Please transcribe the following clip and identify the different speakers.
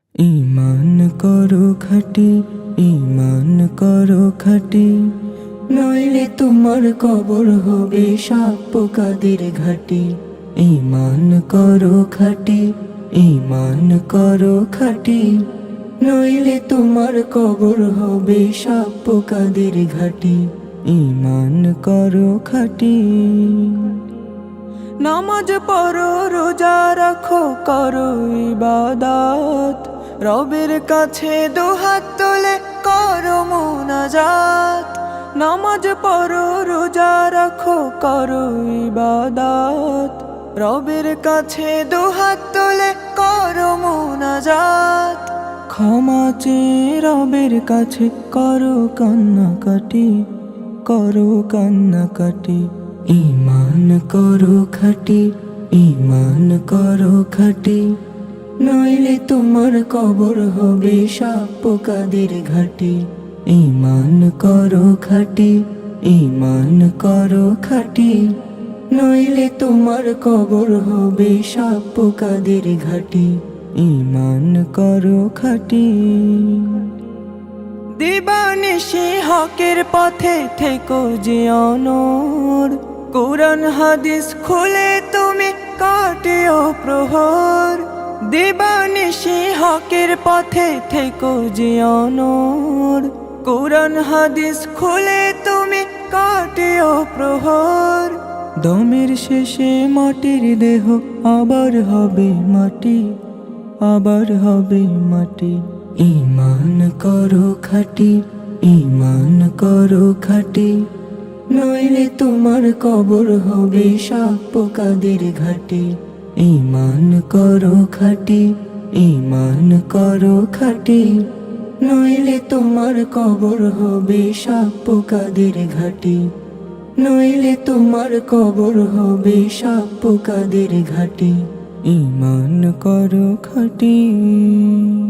Speaker 1: ঈমান করো খাঁটি, ঈমান করো খাঁটি, নইলে তোমার কবর হবে সাপ পোকাদের ঘাটি। ঈমান করো খাঁটি, ঈমান করো খাঁটি, নইলে তোমার কবর হবে সাপ পোকাদের ঘাটি। ঈমান করো খাঁটি। নামাজ পড়ো, রোজা রাখো, করো ইবাদত, রবের কাছে দুহাত তুলে করো মুনাজাত। নামাজ পড়ো, রোজা রাখো, করো ইবাদত, রবের কাছে দুহাত তুলে করো মুনাজাত। ক্ষমা চেয়ে রবের কাছে করো কান্নাকাটি, করো কান্নাকাটি। ঈমান করো খাঁটি, ঈমান করো খাঁটি, নইলে তোমার কবর হবে সাপ পোকাদের ঘাটি। ঈমান করো খাঁটি, ঈমান করো খাঁটি, নইলে তোমার কবর হবে সাপ পোকাদের ঘাটি। ঈমান করো খাঁটি। দিবানিশি হকের পথে থেকো যে অনর, কোরআন হাদিস খুলে তুমি কাটিও প্রহর। দিবানিশি হকের পথে থেকো যে অনর, কোরআন হাদিস খুলে তুমি কাটিও প্রহর। দমের শেষে মাটির দেহ আবার হবে মাটি, আবার হবে মাটি। ঈমান করো খাঁটি, ঈমান করো খাঁটি, নইলে তোমার কবর হবে সাপ পোকাদের ঘাটি। ঈমান করো খাঁটি, ঈমান করো খাঁটি, নইলে তোমার কবর হবে সাপ পোকাদের ঘাটি। নইলে তোমার কবর হবে সাপ পোকাদের ঘাটি। ঈমান করো খাঁটি।